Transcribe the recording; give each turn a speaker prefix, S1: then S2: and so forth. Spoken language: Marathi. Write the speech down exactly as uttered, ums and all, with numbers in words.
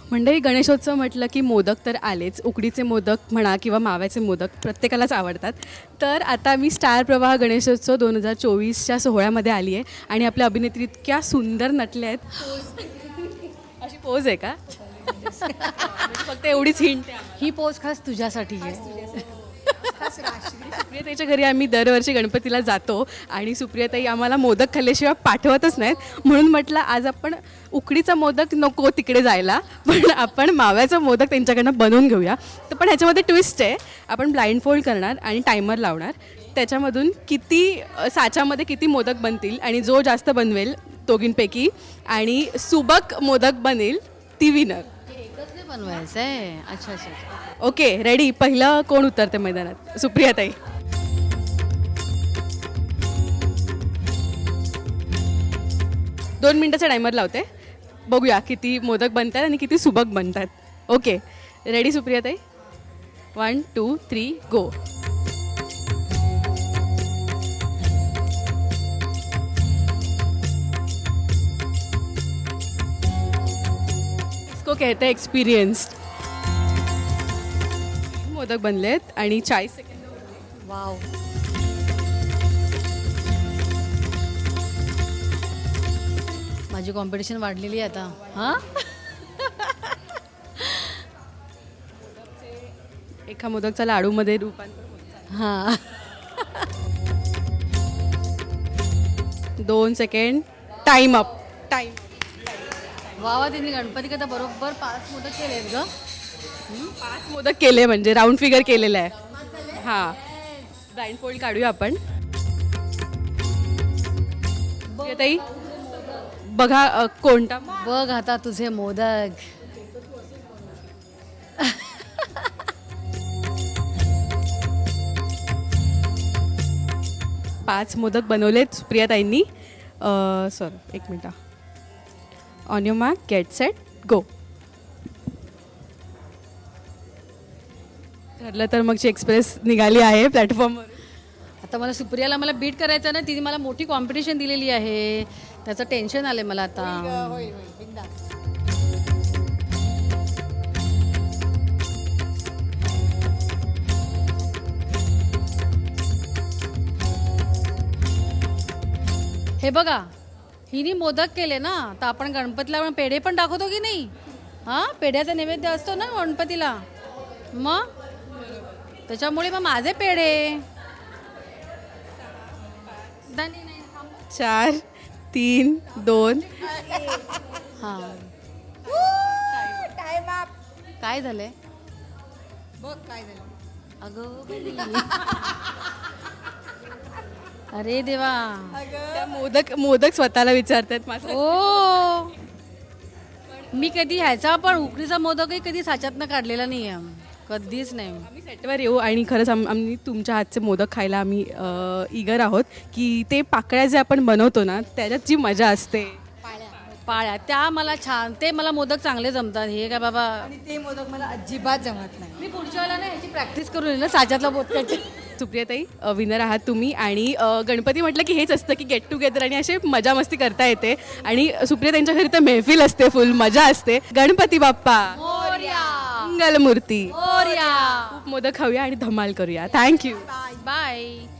S1: मंडळी, गणेशोत्सव म्हटलं की मोदक तर आलेच. उकडीचे मोदक म्हणा किंवा माव्याचे मोदक प्रत्येकालाच आवडतात. तर आता मी स्टार प्रवाह गणेशोत्सव दोन हजार चोवीसच्या सोहळ्यामध्ये आली आहे आणि आपल्या अभिनेत्री इतक्या सुंदर नटल्या आहेत. अशी पोज आहे का? फक्त एवढीच हिंट आहे.
S2: ही पोच खास तुझ्यासाठी आहे.
S1: सुप्रियाताईच्या घरी आम्ही दरवर्षी गणपतीला जातो आणि सुप्रियाताई आम्हाला मोदक खाल्ल्याशिवाय पाठवतच नाहीत. म्हणून म्हटलं आज आपण उकडीचा मोदक नको तिकडे जायला, पण आपण माव्याचा मोदक त्यांच्याकडनं बनवून घेऊया. तर पण ह्याच्यामध्ये ट्विस्ट आहे. आपण ब्लाइंड फोल्ड करणार आणि टायमर लावणार. त्याच्यामधून किती साच्यामध्ये किती मोदक बनतील आणि जो जास्त बनवेल दोघींपैकी आणि सुबक मोदक बनेल ती विनर.
S2: एकच नाही बनवायचं आहे. अच्छा अच्छा अच्छा.
S1: Okay, ready. पहिलं कोण उतरते मैदानात? सुप्रियाताई. दोन मिनटाचा टायमर लावते. बघूया किती मोदक बनतात आणि किती सुबक बनतात. ओके, रेडी सुप्रियाताई? One two three go. इसको कहते हैं एक्सपिरियन्स्ड. मोदक बनलेत आणि चाळीस सेकंद.
S2: वाव. माझी कॉम्पिटिशन वाढलेली आहे आता. हां,
S1: एका मोदकचा लाडूमध्ये रूपांतर.
S2: हां.
S1: दोन सेकंड. Time up. टाइम.
S2: वा वा, त्यांनी गणपती कथा बरोबर पाच मोदक केलेत ग.
S1: पाच मोदक केले म्हणजे राऊंड फिगर केलेला आहे. हां, ब्लाइंड फोल्ड काढूया आपण. ताई बघा अ, कोणता
S2: बघ आता तुझे मोदक.
S1: पाच मोदक बनवलेत सुप्रियाताईंनी. सॉरी, एक मिनटं. On your mark, get set, go. ठरलं तर मगची एक्सप्रेस निघाली आहे प्लॅटफॉर्मवर.
S2: आता मला सुप्रियाला मला बीट करायचं ना. तिने मला मोठी कॉम्पिटिशन दिलेली आहे. त्याचं टेन्शन आलंय मला आता. हे बघा, हिने मोदक केले ना, तर आपण गणपतीला पण पेढे पण दाखवतो की नाही? हां, पेढ्याचा नैवेद्य असतो ना गणपतीला. मग त्याच्यामुळे मग माझे पेढे.
S1: चार, तीन, दोन.
S2: हां, काय झालंय? बघ काय झालं. अगं बाई. अरे देवा.
S1: त्या मोदक मोदक स्वतःला विचारतात माझं.
S2: ओ, मी कधी ह्याचा पण उकडीचा मोदकही कधी साच्यातनं काढलेला नाही आहे. कधीच नाही.
S1: आम्ही सेटवर येऊ आणि खरंच आम आम्ही तुमच्या हातचे मोदक खायला आम्ही इगर आहोत. की ते पाकळ्या जे आपण बनवतो ना, त्याच्यात जी मजा असते.
S2: पाळ्या त्या मला छान. ते मला मोदक चांगले जमतात. हे काय बाबा,
S3: ते मोदक मला अजिबात जमत नाही.
S2: मी पुढच्या वेळेला ना ह्याची प्रॅक्टिस करून येईल ना साच्यातला मोदकाची.
S1: सुप्रियाताई, विनर आहात तुम्ही. आणि अ, गणपती म्हटलं की हेच असतं की गेट टुगेदर आणि असे मजा मस्ती करता येते. आणि सुप्रियाताईंच्या घरी तर मेहफिल असते, फुल मजा असते. गणपती बाप्पा
S2: मोरया.
S1: मंगलमूर्ती.
S2: मोरया.
S1: खूप मोदक खाऊया आणि धमाल करूया. थँक्यू.
S2: बाय.